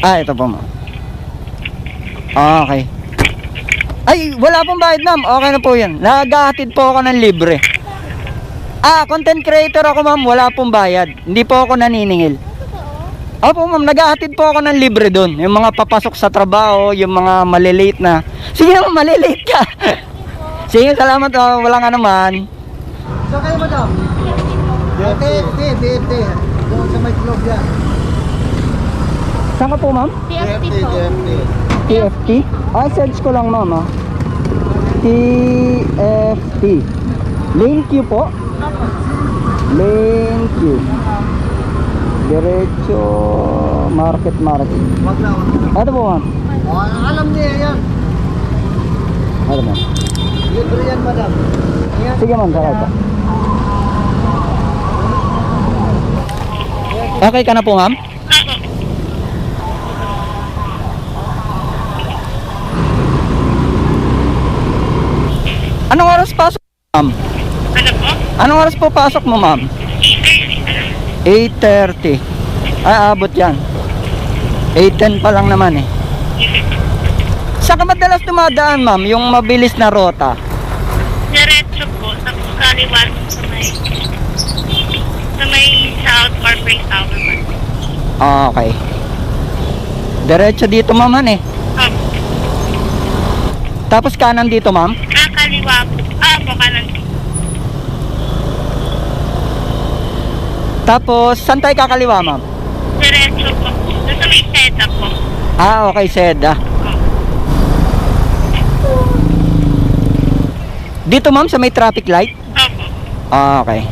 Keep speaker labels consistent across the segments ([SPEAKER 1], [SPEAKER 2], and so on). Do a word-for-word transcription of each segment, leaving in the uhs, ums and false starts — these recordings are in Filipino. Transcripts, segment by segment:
[SPEAKER 1] Ah, ito po ma'am. Okay. Ay, wala pong bayad ma'am. Okay na po yan. Naghahatid po ako ng libre. Ah, content creator ako ma'am. Wala pong bayad. Hindi po ako naniningil. Opo ma'am, naghahatid po ako ng libre doon. Yung mga papasok sa trabaho, yung mga malilate na. Sige naman, malilate ka. Sige, salamat. Oh, wala nga naman.
[SPEAKER 2] So kayo madam? Okay, okay, okay, okay. Doon sa may club yan.
[SPEAKER 1] Saan ka po ma'am?
[SPEAKER 3] T F T po.
[SPEAKER 1] T F T? Ah, search ko lang ma'am ah. T F T. Lane Q po?
[SPEAKER 3] Opo.
[SPEAKER 1] Lane Q. Diretso market market.
[SPEAKER 2] Wag na, wag na.
[SPEAKER 1] Ito po ma'am.
[SPEAKER 2] Oh, alam niya yan.
[SPEAKER 1] Ano ma'am?
[SPEAKER 2] Libre yan madam. Yan.
[SPEAKER 1] Sige ma'am, sakay po. Okay ka na po ma'am? Anong oras pasok ma'am?
[SPEAKER 3] Ano po?
[SPEAKER 1] Anong oras po pasok mo ma'am? eight thirty. Ay, abot yan. eight ten pa lang naman eh. Saan ka madalas dumadaan ma'am? Yung mabilis na rota?
[SPEAKER 3] Diretso po, tapos kaliwa sa may sa may South Corporate Tower ba?
[SPEAKER 1] Okay. Diretso dito ma'am han eh.
[SPEAKER 3] Opo.
[SPEAKER 1] Tapos kanan dito ma'am?
[SPEAKER 3] Ah, kaliwa po. Ah, po, kanan po.
[SPEAKER 1] Tapos saan tayo kakaliwa ma'am?
[SPEAKER 3] Diretso po. Doon sa may Seda po.
[SPEAKER 1] Ah, okay, Seda. Dito ma'am sa may traffic light?
[SPEAKER 3] Opo.
[SPEAKER 1] Ah, okay.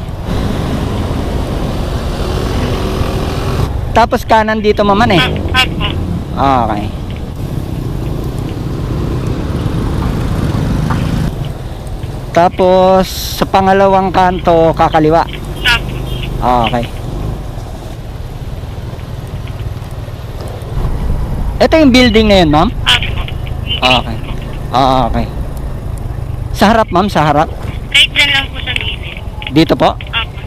[SPEAKER 1] Tapos kanan dito ma'am han eh.
[SPEAKER 3] Opo.
[SPEAKER 1] Ah, okay. Tapos sa pangalawang kanto kakaliwa.
[SPEAKER 3] Opo.
[SPEAKER 1] Ah, okay. Ito yung building na yun ma'am?
[SPEAKER 3] Opo.
[SPEAKER 1] Ah, okay. Ah, okay. Sa harap ma'am, sa harap.
[SPEAKER 3] Kahit dyan lang po sa gilid.
[SPEAKER 1] Dito po.
[SPEAKER 3] Opo.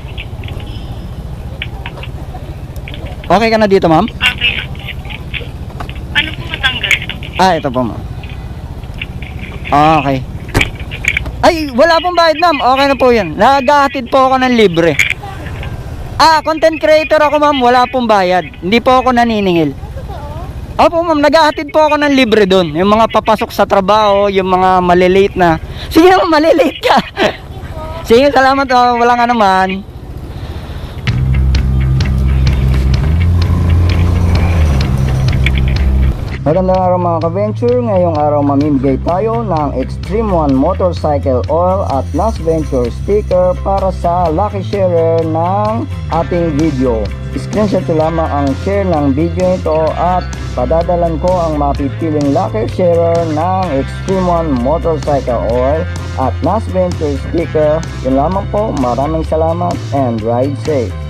[SPEAKER 1] Okay ka na dito ma'am?
[SPEAKER 3] Okay na po. Ano po matanggal?
[SPEAKER 1] Ah, ito po ma'am. Ah, okay. Ay, wala pong bayad ma'am. Okay na po yan. Naghahatid po ako ng libre. Ah, content creator ako ma'am. Wala pong bayad. Hindi po ako naniningil. Opo ma'am, naghahatid po ako ng libre doon. Yung mga papasok sa trabaho, yung mga malilate na. Sige naman, malilate ka. Sige, salamat. Oh, wala nga naman. Magandang araw mga ka-venture. Ngayong araw mamimigay tayo ng Extreme One Motorcycle Oil at Last Venture sticker para sa lucky sharer ng ating video. Screenshot ko lamang ang share ng video ito at padadalan ko ang mapipiling lucky sharer ng Extreme One Motorcycle Oil at Last Venture sticker. Yun lamang po. Maraming salamat and ride safe.